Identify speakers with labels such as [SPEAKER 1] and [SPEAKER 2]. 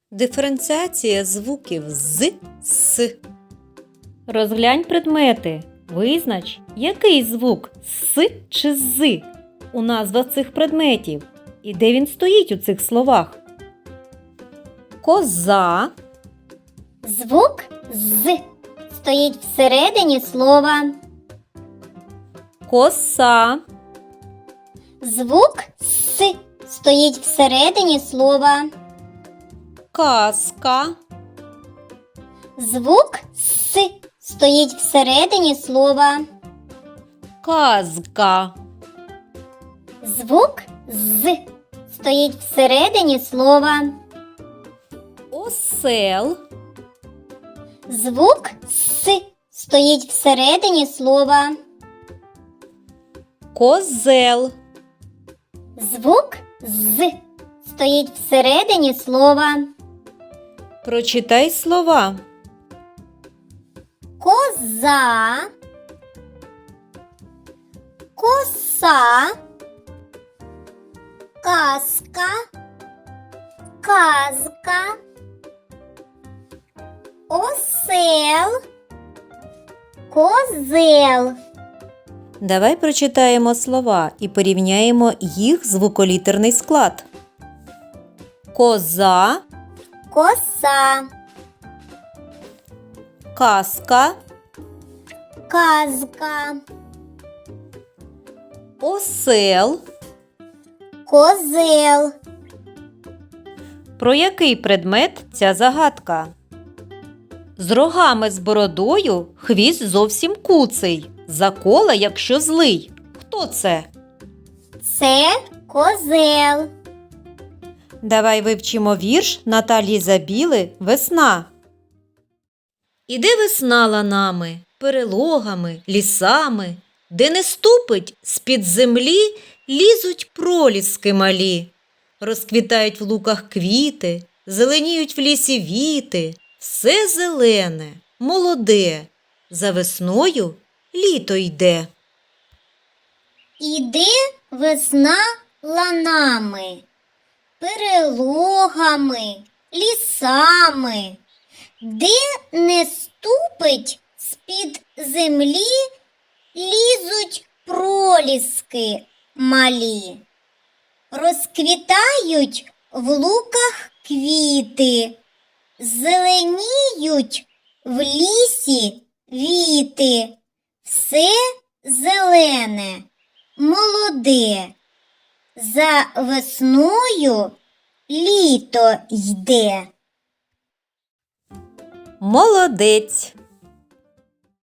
[SPEAKER 1] Диференціація звуків з, с.
[SPEAKER 2] Розглянь предмети. Визнач, який звук с чи з у назвах цих предметів і де він стоїть у цих словах.
[SPEAKER 1] Коза,
[SPEAKER 3] Звук з стоїть всередині слова.
[SPEAKER 1] коса,
[SPEAKER 3] Звук с стоїть всередині слова.
[SPEAKER 1] казка,
[SPEAKER 3] Звук с стоїть всередині слова.
[SPEAKER 1] казка,
[SPEAKER 3] Звук з стоїть всередині слова.
[SPEAKER 1] осел,
[SPEAKER 3] Звук с стоїть всередині слова.
[SPEAKER 1] козел,
[SPEAKER 3] Звук з стоїть всередині слова.
[SPEAKER 1] Прочитай слова.
[SPEAKER 3] Коза, коса, казка, казка, осел, козел.
[SPEAKER 1] Давай прочитаємо слова і порівняємо їх звуколітерний склад. Коза,
[SPEAKER 3] Коса,
[SPEAKER 1] казка,
[SPEAKER 3] казка,
[SPEAKER 1] осел.
[SPEAKER 3] козел.
[SPEAKER 1] Про який предмет ця загадка? З рогами з бородою хвіст зовсім куций. Закола, якщо злий. Хто це?
[SPEAKER 3] Це козел.
[SPEAKER 1] Давай вивчимо вірш Наталії Забіли «Весна». Іде весна ланами, перелогами, лісами, де не ступить з-під землі, лізуть проліски малі. Розквітають в луках квіти, зеленіють в лісі віти. Все зелене, молоде, за весною літо йде.
[SPEAKER 3] Іде весна ланами, перелогами, лісами, де не ступить з-під землі, лізуть проліски малі. Розквітають в луках квіти, зеленіють в лісі віти. Все зелене, молоде, за весною літо йде.
[SPEAKER 1] Молодець!